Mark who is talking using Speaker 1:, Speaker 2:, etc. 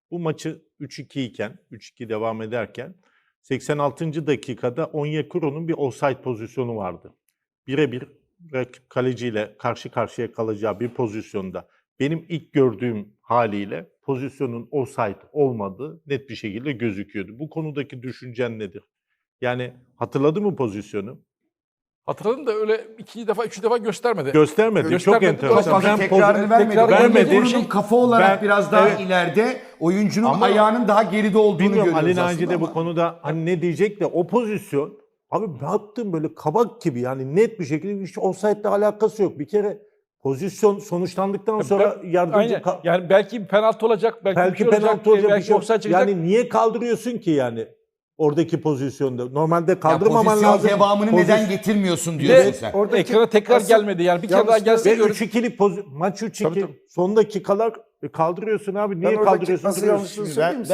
Speaker 1: Bu maçı 3-2 iken, 3-2 devam ederken 86. dakikada Onyekuru'nun bir offside pozisyonu vardı. Birebir rakip kaleciyle karşı karşıya kalacağı bir pozisyonda benim ilk gördüğüm haliyle pozisyonun offside olmadığı net bir şekilde gözüküyordu. Bu konudaki düşüncen nedir? Yani hatırladı mı pozisyonu?
Speaker 2: Hatırladım da öyle 2 defa, 3 defa göstermedi.
Speaker 1: Göstermedi. Çok
Speaker 2: Göstermedi.
Speaker 1: enteresan.
Speaker 3: Çok fazla
Speaker 1: Ben
Speaker 3: tekrarını vermedi.
Speaker 2: tekrar
Speaker 1: vermedi.
Speaker 3: Onyekuru'nun kafa olarak biraz daha
Speaker 1: evet.
Speaker 3: ileride, oyuncunun
Speaker 1: Ama
Speaker 3: ayağının daha geride olduğunu
Speaker 1: Bilmiyorum
Speaker 3: görüyoruz
Speaker 1: Ali
Speaker 3: aslında
Speaker 1: Naci de bu
Speaker 3: ama.
Speaker 1: konuda hani ne diyecek de o pozisyon abi baktım böyle kabak gibi yani net bir şekilde hiç offside'le alakası yok. Bir kere pozisyon sonuçlandıktan sonra yardımcı
Speaker 2: Aynen. Yani belki penaltı olacak, belki bir şey
Speaker 1: penaltı olacak bir
Speaker 2: belki
Speaker 1: şey.
Speaker 2: offside çıkacak.
Speaker 1: Yani niye kaldırıyorsun ki yani oradaki pozisyonda? Normalde
Speaker 3: Ya
Speaker 1: kaldırmaman
Speaker 3: pozisyon
Speaker 1: lazım.
Speaker 3: devamını neden getirmiyorsun
Speaker 2: Bir
Speaker 3: diyorsun
Speaker 2: de
Speaker 3: sen.
Speaker 2: ekrana tekrar gelmedi. Yani bir kere daha gelse
Speaker 1: Ve
Speaker 2: görürüz.
Speaker 1: 3-2'lik maç 3-2
Speaker 2: Tabii, tabii.
Speaker 1: son dakikalar kaldırıyorsun abi. Niye
Speaker 4: Ben oradaki
Speaker 1: kaldırıyorsun?
Speaker 4: nasıl
Speaker 1: duruyorsun?
Speaker 4: yanlışını
Speaker 3: Şimdi
Speaker 4: söyleyeyim mi?